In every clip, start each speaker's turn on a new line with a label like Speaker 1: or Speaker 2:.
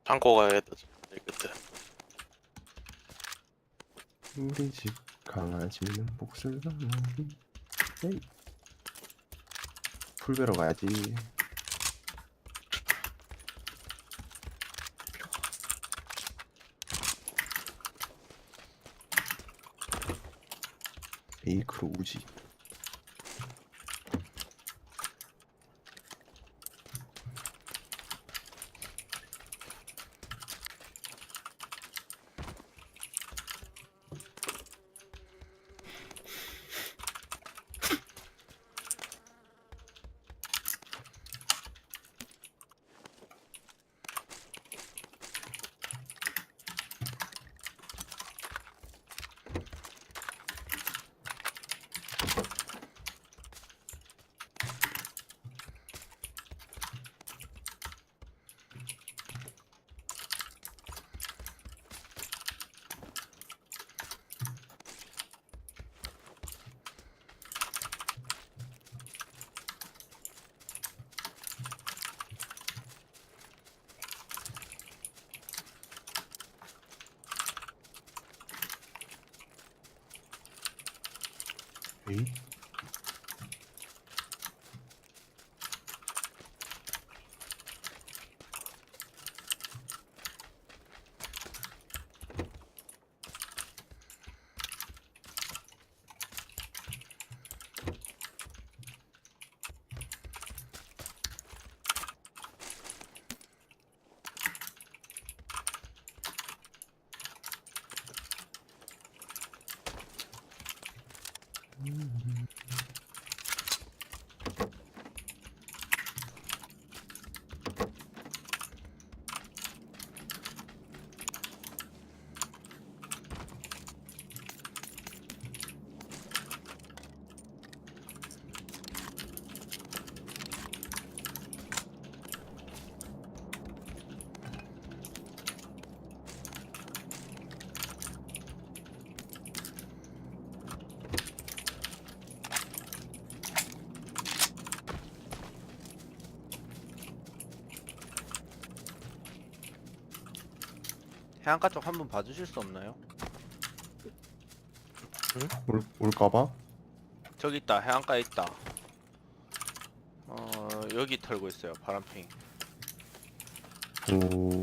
Speaker 1: 창고 가야겠다. 내 끝에.
Speaker 2: 우리 집 강아지는 목소리가 에이. 풀 베러 가야지. 에이크로 우지. 에이?
Speaker 3: 해안가 쪽 한번 봐주실 수 없나요?
Speaker 2: 올까봐?
Speaker 3: 저기 있다. 해안가에 있다. 여기 털고 있어요. 파란핑.
Speaker 2: 오.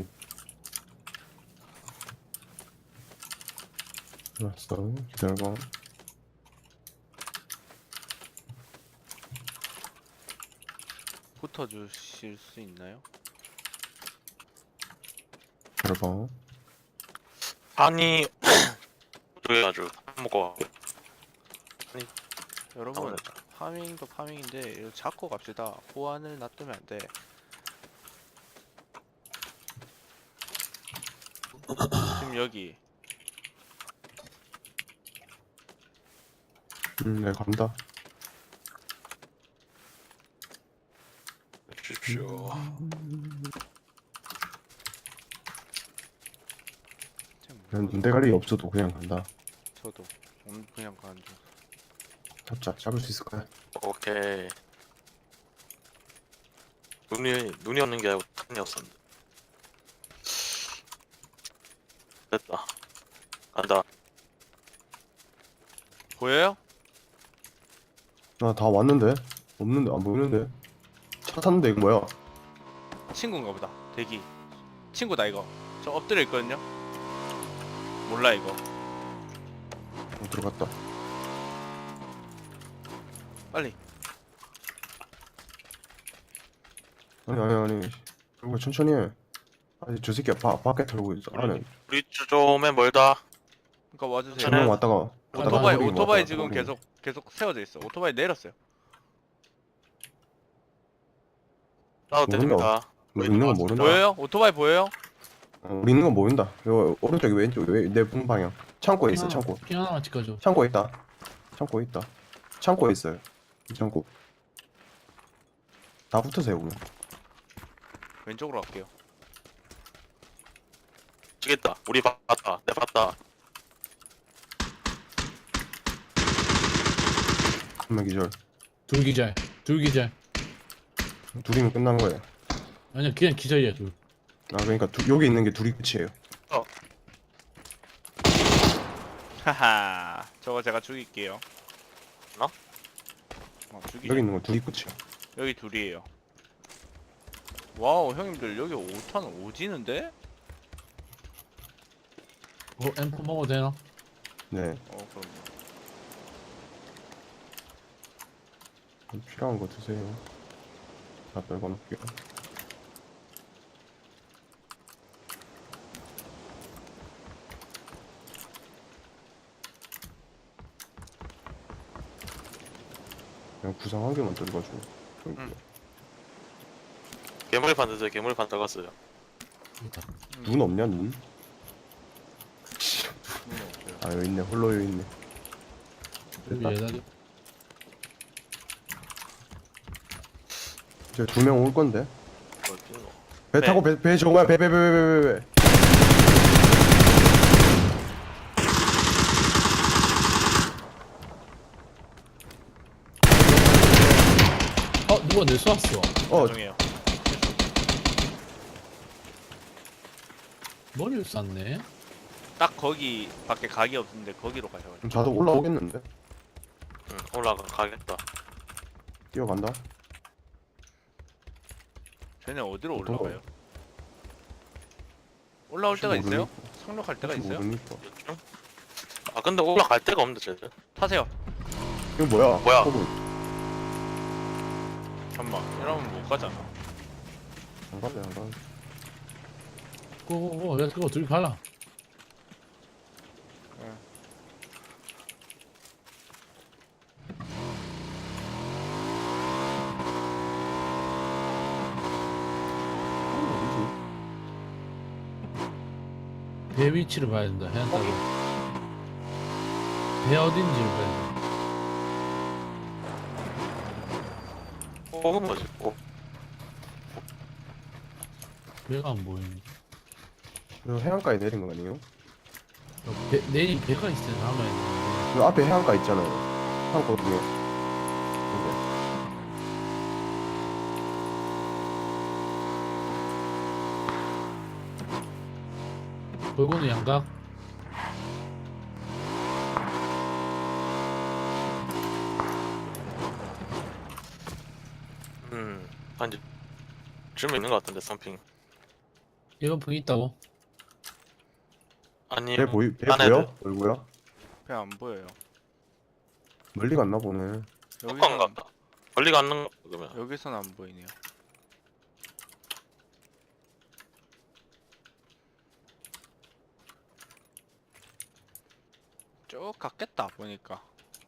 Speaker 2: 알았어. 기다려봐.
Speaker 3: 붙어주실 수 있나요?
Speaker 2: 기다려봐.
Speaker 1: 아니 조용해가지고 먹고
Speaker 3: 여러분
Speaker 1: 나오겠다.
Speaker 3: 파밍도 파밍인데 이거 잡고 갑시다. 보안을 놔두면 안 돼. 지금 여기
Speaker 2: 내가 간다.
Speaker 1: 주십시오.
Speaker 3: 지금
Speaker 2: 그냥 눈대가리 없어도 그냥 간다.
Speaker 3: 저도 그냥 가는 중.
Speaker 2: 잡을 수 있을 거야.
Speaker 1: 오케이. 눈이 없는 게 아니고 탄이 없었는데. 됐다. 간다.
Speaker 3: 보여요?
Speaker 2: 나 다 왔는데? 없는데? 안 보이는데? 차 탔는데 이거 뭐야?
Speaker 3: 친구인가 보다. 대기. 친구다 이거. 저 엎드려 있거든요. 몰라 이거.
Speaker 2: 들어갔다.
Speaker 3: 빨리.
Speaker 2: 아니. 그리고 천천히 해. 아니 저 새끼 밖에 털고 있어. 안에
Speaker 1: 우리 좀에 멀다.
Speaker 3: 그러니까 와주세요.
Speaker 1: 저는-
Speaker 2: 한명 왔다가
Speaker 3: 오토바이
Speaker 2: 버리고
Speaker 3: 지금
Speaker 2: 왔다가
Speaker 3: 계속 세워져 있어. 오토바이 내렸어요.
Speaker 1: 나도 됩니다.
Speaker 2: 우리 있는 건 모른다.
Speaker 3: 보여요? 오토바이 보여요?
Speaker 2: 우리 있는 건 모른다. 이거 오른쪽에 왼쪽 내 방향. 창고에 있어. 창고.
Speaker 4: 핑 하나만 찍어줘.
Speaker 2: 창고에 있다. 창고에 있어요. 이 창고. 다 붙으세요 오늘.
Speaker 3: 왼쪽으로 갈게요.
Speaker 1: 지겠다. 우리 봤다. 내 봤다.
Speaker 2: 한 명 기절.
Speaker 4: 둘 기절. 둘 기절.
Speaker 2: 둘이면 끝난 거예요.
Speaker 4: 아니야, 그냥 기절이야, 둘.
Speaker 2: 아 그러니까 여기 있는 게 둘이 끝이에요.
Speaker 3: 하하. 저거 제가 죽일게요.
Speaker 1: 나?
Speaker 3: 죽이자.
Speaker 2: 여기 있는 건 둘이 끝이야.
Speaker 3: 여기 둘이에요. 와우, 형님들 여기 5탄 오지는데?
Speaker 4: 앰프 먹어도 되나?
Speaker 2: 네.
Speaker 3: 그럼.
Speaker 2: 필요한 거 드세요. 다 떨궈 놓을게요. 그냥 구상 한 개만 떨궈줘.
Speaker 3: 응.
Speaker 1: 괴물판 드세요. 괴물판 들어갔어요.
Speaker 4: 있다.
Speaker 2: 눈 없냐 눈?
Speaker 3: 없어요.
Speaker 2: 아 여기 있네. 홀로 여기 있네.
Speaker 4: 여기
Speaker 2: 됐다.
Speaker 4: 얘들
Speaker 2: 이제 2명 올 건데.
Speaker 1: 어딨노?
Speaker 2: 배
Speaker 3: 네.
Speaker 2: 타고 배 저거 뭐야 배.
Speaker 4: 누가 내 쏘았어.
Speaker 3: 죄송해요.
Speaker 4: 머리를 쐈네.
Speaker 3: 딱 거기 밖에 각이 없는데 거기로 가셔가지고.
Speaker 2: 그럼 자도 올라오겠는데?
Speaker 1: 응, 가겠다.
Speaker 2: 뛰어간다.
Speaker 3: 쟤네 어디로
Speaker 2: 어떤
Speaker 3: 올라가요? 올라올 때가
Speaker 2: 혹시
Speaker 3: 있어요? 상륙할 때가
Speaker 2: 혹시
Speaker 3: 있어요?
Speaker 2: 모르니까.
Speaker 1: 응? 아 근데 올라갈 데가 없는데 쟤들.
Speaker 3: 타세요.
Speaker 2: 이거 뭐야?
Speaker 1: 뭐야?
Speaker 2: 호분.
Speaker 3: 잠만. 이러면 못 가잖아.
Speaker 2: 안 가네 안 가네.
Speaker 4: 고고고. 야 그거 둘이 갈라. 배 위치를 봐야 된다. 해안 따고. 배 어딘지를 봐야 돼.
Speaker 1: 뽑은 거지.
Speaker 4: 배가 안 보이네.
Speaker 2: 이거 해안가에 내린 거 아니에요?
Speaker 4: 내일 배가 있어야 남아야 돼.
Speaker 2: 그 앞에 해안가 있잖아요. 해안가 중에.
Speaker 4: 골고루 양각.
Speaker 1: 한지 쯤 있는 것 같은데 썸핑.
Speaker 4: 이번 풍 있다고?
Speaker 1: 아니.
Speaker 2: 배
Speaker 1: 딴
Speaker 2: 보여?
Speaker 1: 애들.
Speaker 2: 얼굴야?
Speaker 3: 배 안 보여요.
Speaker 2: 멀리 갔나 보네.
Speaker 1: 여기서 갔다. 멀리 가는 거 그러면.
Speaker 3: 여기서는 안 보이네요. 쭉 갔겠다 보니까.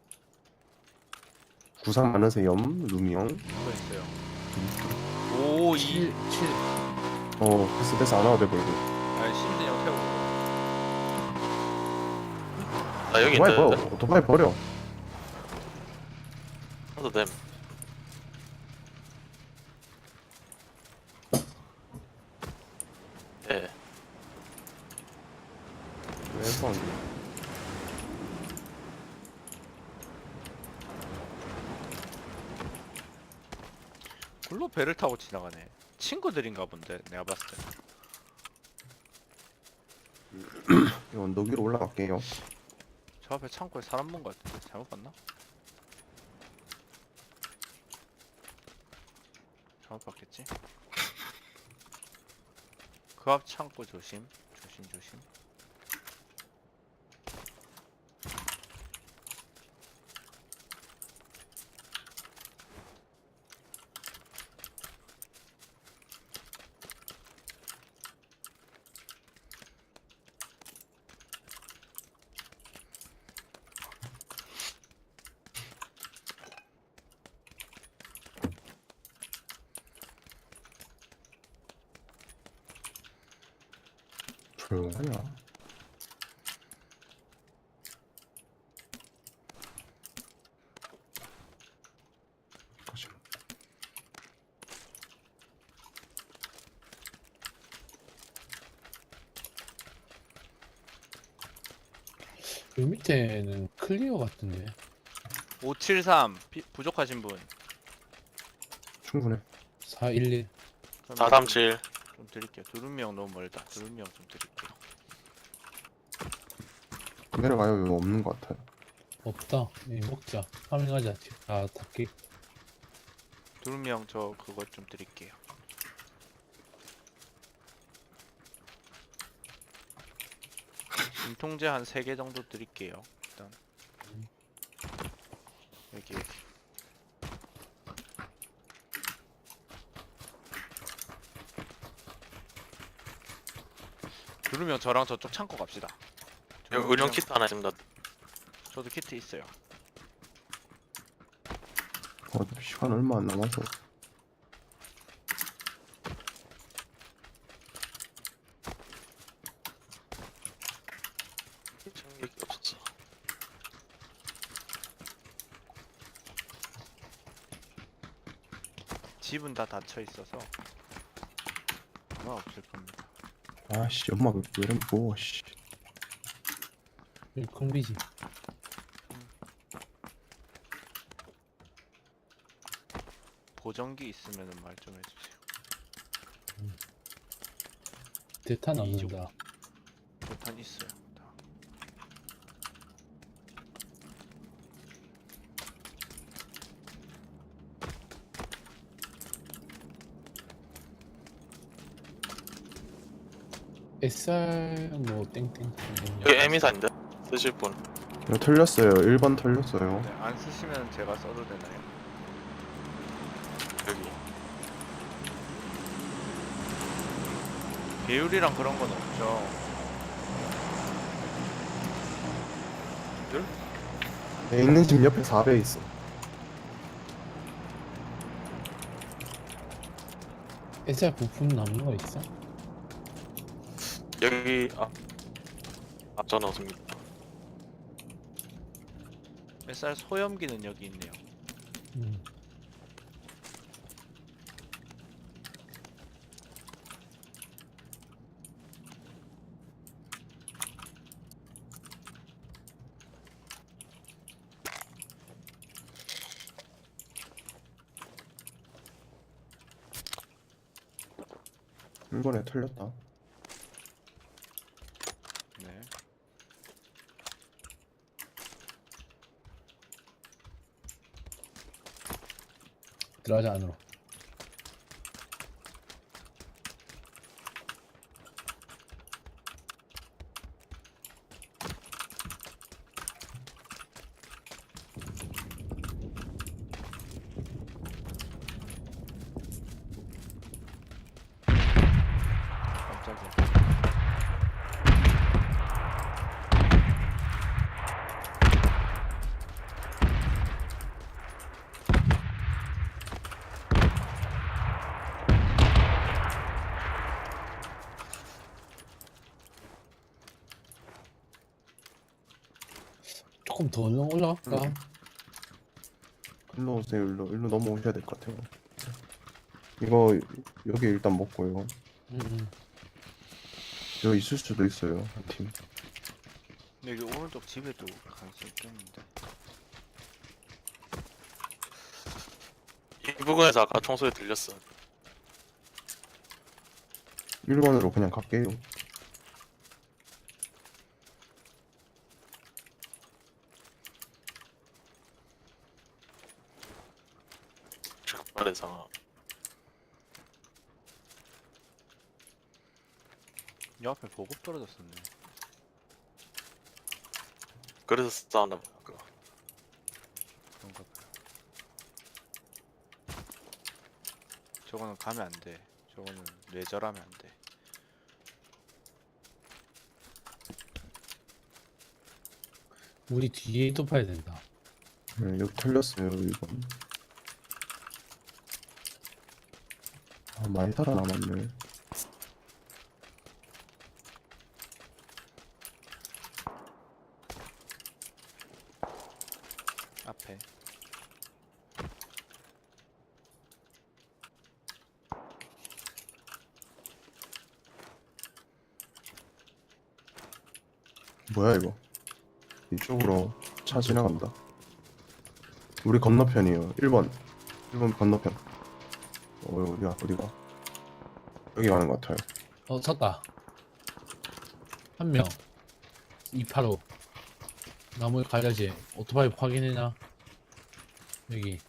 Speaker 2: 구상 많으세요? 루미형?
Speaker 3: 또 있어요. 5, 2.
Speaker 4: 7.
Speaker 2: 패스 안 와도 돼 보이고.
Speaker 3: 아, 심진영 태우고.
Speaker 1: 나 여기
Speaker 2: 오토바이
Speaker 1: 있는데.
Speaker 2: 버려. 오토바이 버려.
Speaker 1: 하도 됨. 예.
Speaker 2: 왜 해봐.
Speaker 3: 홀로 배를 타고 지나가네. 친구들인가 본데 내가 봤을 때.
Speaker 2: 이 언덕 위로 올라갈게요.
Speaker 3: 저 앞에 창고에 사람 본 것 같은데 잘못 봤나? 잘못 봤겠지? 그 앞 창고 조심. 조심.
Speaker 2: 조용하냐? 가시마.
Speaker 4: 그 밑에는 클리어 같은데.
Speaker 3: 573 부족하신 분.
Speaker 2: 충분해.
Speaker 4: 411.
Speaker 1: 437.
Speaker 3: 좀 드릴게요. 두루미형 너무 멀다. 두루미형 좀 드릴게요.
Speaker 2: 내려가요. 이거 없는 것 같아요.
Speaker 4: 없다. 먹자. 파밍하자. 아, 닭기.
Speaker 3: 두루미형 저 그거 좀 드릴게요. 진통제 한 3개 정도 드릴게요. 일단 여기 여기. 두루미형 저랑 저쪽 창고 갑시다.
Speaker 1: 여기 의료용 키트 하나 있습니다.
Speaker 3: 저도 키트 있어요.
Speaker 2: 시간 얼마 안 남아서.
Speaker 1: 챙길 게 없었어.
Speaker 3: 집은 다 닫혀 있어서 아마 없을 겁니다.
Speaker 2: 아씨, 엄마 왜 이런 뭐 씨.
Speaker 4: 여기 콩비지.
Speaker 3: 보정기 있으면은 말 좀 해주세요.
Speaker 4: 대탄
Speaker 3: 이쪽.
Speaker 4: 넣는다.
Speaker 3: 대탄 있어요. 다.
Speaker 4: SR 뭐 땡땡.
Speaker 1: 여기 에미사인데 쓰실 분.
Speaker 2: 이거 털렸어요. 1번 털렸어요.
Speaker 3: 네, 안 쓰시면 제가 써도 되나요?
Speaker 1: 여기
Speaker 3: 배율이랑 그런 건 없죠.
Speaker 2: 내 있는 집 옆에 4배 있어.
Speaker 4: SR 부품 남는 거 있어?
Speaker 1: 여기 저는 없습니다.
Speaker 3: SR 소염기는 여기 있네요.
Speaker 4: 음.
Speaker 2: 일본에 털렸다.
Speaker 3: 네.
Speaker 4: 들어가자 안으로.
Speaker 3: 깜짝이야.
Speaker 4: 조금 더 올라갈까?
Speaker 2: 일로 오세요. 일로 넘어오셔야 될 것 같아요. 이거 여기 일단 먹고요.
Speaker 4: 음.
Speaker 2: 여기 있을 수도 있어요. 한 팀.
Speaker 3: 근데 여기 오른쪽 집에도 가능성이 있겠는데.
Speaker 1: 이 부근에서 아까 총소리 들렸어.
Speaker 2: 1번으로 그냥 갈게요.
Speaker 1: 적발의 상황.
Speaker 3: 요 앞에 보급 떨어졌었네.
Speaker 1: 그래서 싸웠나 봐. 그거.
Speaker 3: 그런가 봐요. 저거는 가면 안 돼. 저거는 뇌절하면 안 돼.
Speaker 4: 우리 뒤에도 봐야 된다.
Speaker 2: 네, 여기 털렸어요. 1번. 아, 많이 살아남았네.
Speaker 3: 앞에.
Speaker 2: 뭐야 이거? 이쪽으로 차 지나간다. 우리 건너편이에요. 1번 건너편. 어디가? 여기 가는 것 같아요.
Speaker 4: 섰다. 한 명. 285. 나무에 가야지. 오토바이 확인해놔. 여기.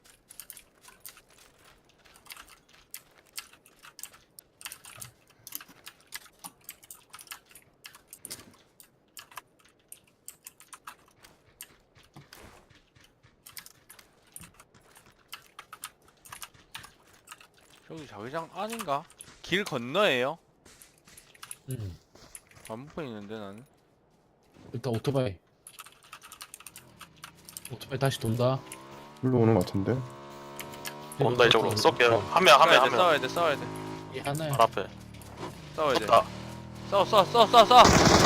Speaker 3: 여기 자기장 아닌가? 길 건너에요? 안 보이는데 나는.
Speaker 4: 일단 오토바이. 오토바이 다시 돈다.
Speaker 2: 일로 오는 것 같은데.
Speaker 1: 온다 이쪽으로 쏠게요. 한 명.
Speaker 3: 싸워야 돼. 싸워야 돼.
Speaker 4: 이 하나야.
Speaker 1: 발 앞에.
Speaker 3: 싸워야 돼.
Speaker 1: 쏜다.
Speaker 3: 쏴.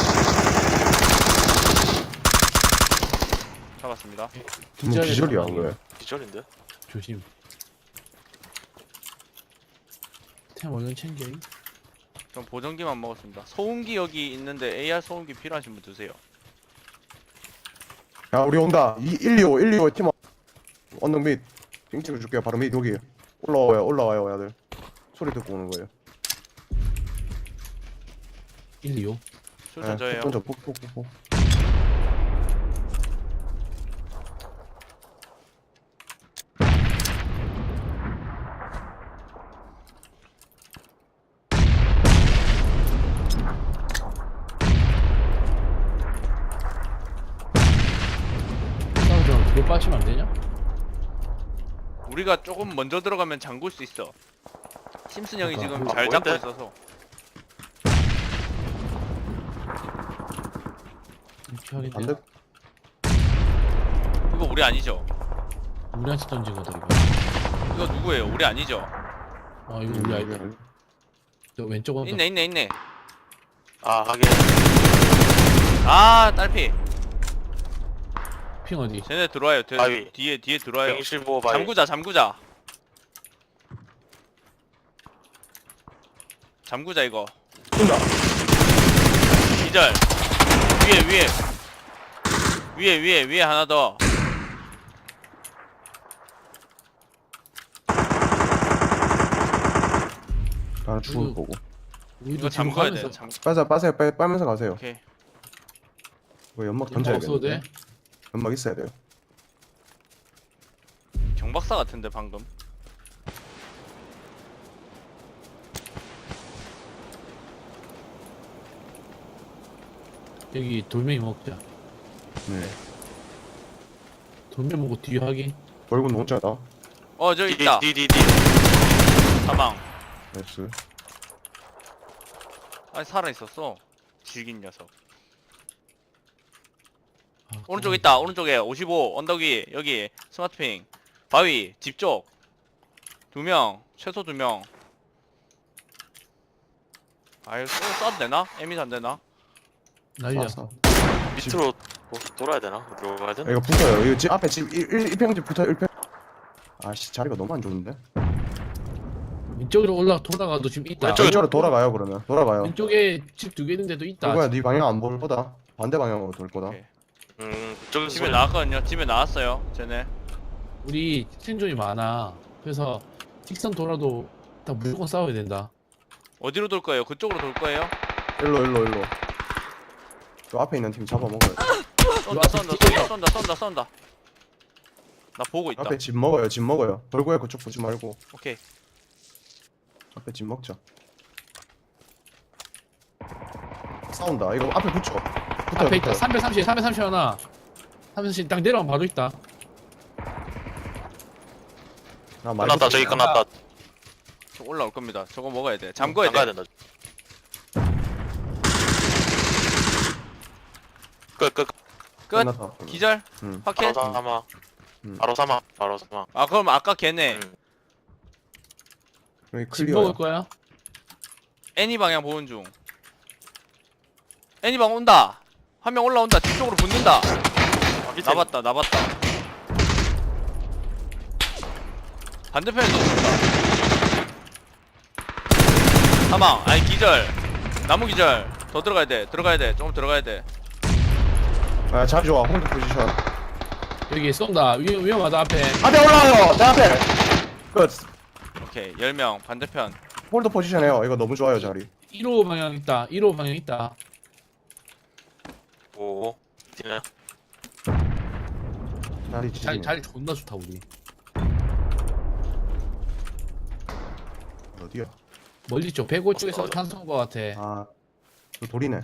Speaker 3: 잡았습니다.
Speaker 2: 뭐 기절이야 왜?
Speaker 1: 기절인데?
Speaker 4: 조심. 템 얼른 챙겨.
Speaker 3: 전 보정기만 먹었습니다. 소음기 여기 있는데 AR 소음기 필요하신 분 드세요.
Speaker 2: 야 우리 온다. 125 팀 언덕 밑. 빙 찍어줄게요. 바로 밑 여기. 올라와요 야들. 소리 듣고 오는 거예요.
Speaker 4: 1, 2, 5.
Speaker 3: 술전 저예요.
Speaker 2: 먼저 폭.
Speaker 4: 싸우자. 뒤로 빠지면 안 되냐?
Speaker 3: 우리가 조금 먼저 들어가면 잠글 수 있어. 심슨 형이
Speaker 4: 그러니까.
Speaker 3: 지금
Speaker 1: 아,
Speaker 3: 잘 잡고
Speaker 1: 보인대?
Speaker 3: 있어서.
Speaker 4: 이렇게
Speaker 2: 반대.
Speaker 3: 이거 우리 아니죠?
Speaker 4: 우리한테 던진 거다 이거.
Speaker 3: 이거 누구예요? 우리 아니죠?
Speaker 4: 이거 우리 아이다. 저 왼쪽 언덕.
Speaker 3: 있네.
Speaker 1: 아 하긴.
Speaker 3: 아 딸피.
Speaker 4: 핑 어디?
Speaker 3: 쟤네 들어와요.
Speaker 1: 바위.
Speaker 3: 뒤에 들어와요.
Speaker 1: 125 바이.
Speaker 3: 잠구자. 잠구자 이거.
Speaker 2: 쏜다.
Speaker 3: 기절. 위에 하나 더.
Speaker 2: 나는 죽을 거고.
Speaker 4: 우리도
Speaker 3: 이거
Speaker 4: 뒤로
Speaker 3: 잠궈야 돼.
Speaker 4: 가면서
Speaker 2: 빠세요. 빨면서 가세요.
Speaker 3: 오케이.
Speaker 2: 이거 연막
Speaker 4: 연막 없어도
Speaker 2: 던져야겠는데.
Speaker 4: 돼?
Speaker 2: 연막 있어야 돼요.
Speaker 3: 경박사 같은데 방금.
Speaker 4: 여기 돌멩이 먹자.
Speaker 2: 네.
Speaker 4: 돌멩이 먹고 뒤에 하기.
Speaker 2: 벌군 농자다.
Speaker 3: 저 있다.
Speaker 1: 디디디.
Speaker 3: 사망.
Speaker 2: 나이스.
Speaker 3: 아니 살아 있었어. 질긴 녀석.
Speaker 4: 아,
Speaker 3: 오른쪽 있다. 오른쪽에 55 언덕 위 여기 스마트핑 바위 집 쪽 2명 최소 2명. 아이 쏴도 되나? 에미도 안 되나?
Speaker 4: 날려.
Speaker 2: 쐈어.
Speaker 1: 밑으로 돌아야 되나? 어디로 가야 되나?
Speaker 2: 이거 붙어요. 이거 집 앞에 집 1평집 붙어 1평. 아씨 자리가 너무 안 좋은데.
Speaker 4: 왼쪽으로 돌아가도 지금 있다.
Speaker 2: 왼쪽으로 돌아가요 그러면. 돌아가요.
Speaker 4: 왼쪽에 집 2개 있는데도 있다.
Speaker 2: 누구야 네 방향 안 볼 거다. 반대 방향으로 돌 거다.
Speaker 3: 오케이.
Speaker 1: 그쪽에서
Speaker 3: 집에
Speaker 1: 소리.
Speaker 3: 나왔거든요. 집에 나왔어요. 쟤네.
Speaker 4: 우리 생존이 많아. 그래서 직선 돌아도 다 무조건 싸워야 된다.
Speaker 3: 어디로 돌 거예요? 그쪽으로 돌 거예요?
Speaker 2: 일로. 저 앞에 있는 팀 잡아 먹어요.
Speaker 3: 쏜다. 나 보고 있다.
Speaker 2: 앞에 집 먹어요. 벌고야 그쪽 보지 말고
Speaker 3: 오케이.
Speaker 2: 앞에 집 먹자. 싸운다. 이거 앞에 붙여.
Speaker 4: 앞에 있다. 330 하나. 330 딱 내려가면 바로 있다.
Speaker 2: 아, 많이
Speaker 1: 끝났다.
Speaker 2: 붙여.
Speaker 1: 저기 끝났다.
Speaker 3: 저 올라올 겁니다. 저거 먹어야 돼. 잠궈야
Speaker 1: 나가야
Speaker 3: 돼.
Speaker 1: 된다. 끝.
Speaker 3: 끝.
Speaker 2: 끝났다.
Speaker 3: 기절.
Speaker 2: 응.
Speaker 3: 확인.
Speaker 1: 바로 사망.
Speaker 2: 음.
Speaker 1: 바로 사망.
Speaker 3: 아 그럼 아까 걔네
Speaker 2: 여기
Speaker 4: 집
Speaker 2: 클리어야.
Speaker 4: 먹을 거야?
Speaker 3: 애니 방향 보는 중. 애니 방 온다. 한 명 올라온다. 뒤쪽으로 붙는다. 나봤다. 반대편에도 온다. 사망. 아니 기절. 나무 기절. 더 들어가야 돼. 조금 들어가야 돼.
Speaker 2: 아 자리 좋아. 홀드 포지션.
Speaker 4: 여기 쏜다. 위험하다 앞에.
Speaker 2: 앞에 올라와요. 내 앞에. 끝.
Speaker 3: 오케이. 10명 반대편.
Speaker 2: 홀더 포지션에요. 이거 너무 좋아요 자리.
Speaker 4: 1호 방향 있다. 1호 방향 있다.
Speaker 1: 오. 뒤네.
Speaker 2: 자리 지지.
Speaker 4: 자리 존나 좋다 우리.
Speaker 2: 어디야?
Speaker 4: 멀리 쪽 105 쪽에서 탄소인 것 같아.
Speaker 2: 아, 저 돌이네.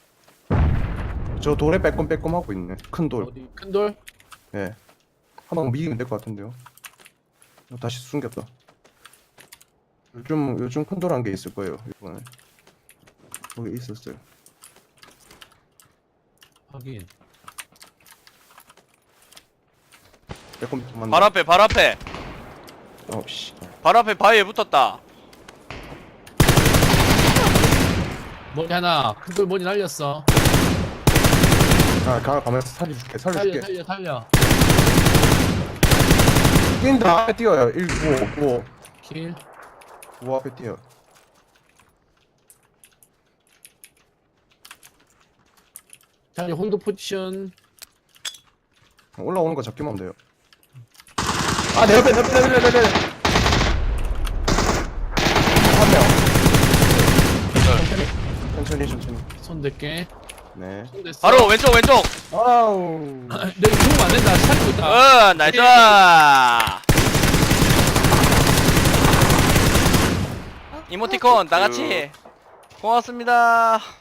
Speaker 2: 저 돌에 빼꼼빼꼼 하고 있네. 큰 돌.
Speaker 4: 어디 큰 돌?
Speaker 2: 예. 한 방 미기면 될 것 같은데요. 다시 숨겼다. 요즘 큰 돌 한 개 있을 거예요. 이번에. 거기 있었어요.
Speaker 4: 확인.
Speaker 2: 빼꼼빼꼼
Speaker 3: 발 앞에 발 앞에
Speaker 2: 씨.
Speaker 3: 발 앞에 바위에 붙었다.
Speaker 4: 머리 하나. 큰 돌 머리 날렸어.
Speaker 2: 가면서 살려줄게.
Speaker 4: 살려.
Speaker 2: 뛴다. 앞에 뛰어요. 1, 9,
Speaker 4: 킬.
Speaker 2: 9 앞에 뛰어.
Speaker 4: 자리 홀드 포지션.
Speaker 2: 올라오는 거 잡기만 하면 돼요. 아, 내 옆에. 한 명. 천천히.
Speaker 4: 손 댈게.
Speaker 2: 네.
Speaker 4: 손 댔어.
Speaker 3: 바로 왼쪽 왼쪽.
Speaker 2: 아우.
Speaker 4: 내가 죽으면 안 된다. 살리고 있다.
Speaker 3: 나이스. 이모티콘 나같이 고맙습니다.